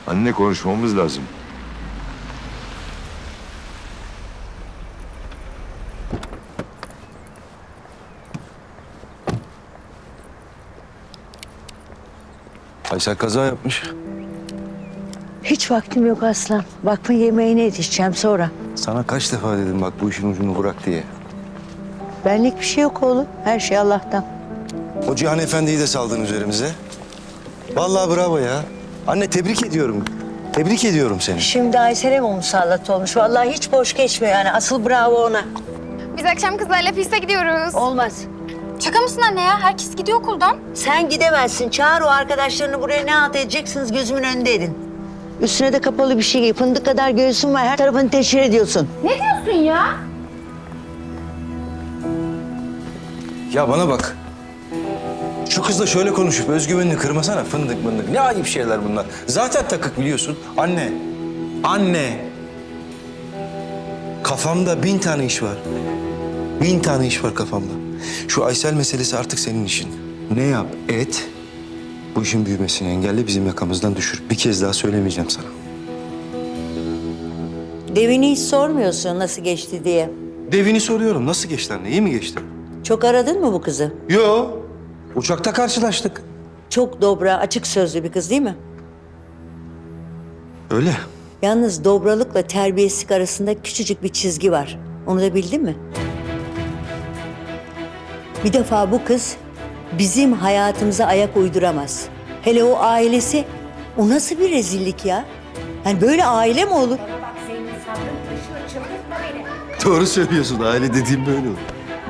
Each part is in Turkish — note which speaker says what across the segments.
Speaker 1: Anne konuşmamız lazım.
Speaker 2: Aysel kaza yapmış.
Speaker 3: Hiç vaktim yok Aslan. Vakfın yemeğine yetişeceğim sonra.
Speaker 2: Sana kaç defa dedim bak bu işin ucunu bırak diye.
Speaker 3: Benlik bir şey yok oğlum. Her şey Allah'tan.
Speaker 2: O Cihan Efendi'yi de saldın üzerimize. Vallahi bravo ya. Anne tebrik ediyorum. Tebrik ediyorum seni.
Speaker 3: Şimdi Aysel'e mi musallat olmuş? Vallahi hiç boş geçmiyor yani. Asıl bravo ona.
Speaker 4: Biz akşam kızlarla piste gidiyoruz.
Speaker 3: Olmaz.
Speaker 4: Şaka mısın anne ya? Herkes gidiyor okuldan.
Speaker 3: Sen gidemezsin. Çağır o arkadaşlarını buraya, ne halt edeceksiniz gözümün önünde edin. Üstüne de kapalı bir şey giy. Fındık kadar göğsün var. Her tarafını teşhir ediyorsun.
Speaker 4: Ne diyorsun ya?
Speaker 2: Ya bana bak. Şu kızla şöyle konuşup özgüvenini kırmasana, fındık mındık. Ne ayıp şeyler bunlar. Zaten takık biliyorsun. Anne. Anne. Kafamda 1000 tane iş var. 1000 tane iş var kafamda. Şu Aysel meselesi artık senin işin. Ne yap et. Bu işin büyümesini engelle, bizim yakamızdan düşür. Bir kez daha söylemeyeceğim sana.
Speaker 3: Devini hiç sormuyorsun nasıl geçti diye.
Speaker 2: Devini soruyorum. Nasıl geçti anne? İyi mi geçti?
Speaker 3: Çok aradın mı bu kızı?
Speaker 2: Yo. Uçakta karşılaştık.
Speaker 3: Çok dobra, açık sözlü bir kız değil mi?
Speaker 2: Öyle.
Speaker 3: Yalnız dobralıkla terbiyesizlik arasında küçücük bir çizgi var. Onu da bildin mi? Bir defa bu kız bizim hayatımıza ayak uyduramaz. Hele o ailesi, o nasıl bir rezillik ya? Yani böyle aile mi olur?
Speaker 2: Doğru söylüyorsun. Aile dediğim böyle olur.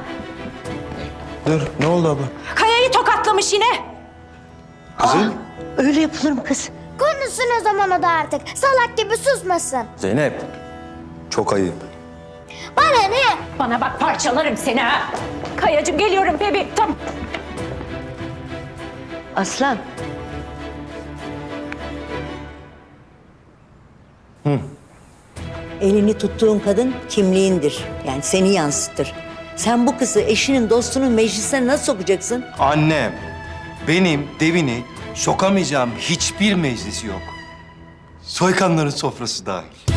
Speaker 2: Dur. Ne oldu abla?
Speaker 5: Kaya'yı tokatlamış yine.
Speaker 2: Kızım.
Speaker 3: Öyle yapılır mı kız?
Speaker 6: Konuşsun o zaman o da artık. Salak gibi susmasın.
Speaker 2: Zeynep. Çok ayıp.
Speaker 6: Bana ne?
Speaker 5: Bana bak parçalarım seni ha. Kayacığım geliyorum bebeğim. Tamam.
Speaker 3: Aslan. Elini tuttuğun kadın kimliğindir. Yani seni yansıtır. Sen bu kızı eşinin, dostunun meclisine nasıl sokacaksın?
Speaker 2: Annem, benim devini sokamayacağım hiçbir meclisi yok. Soykanların sofrası dahil.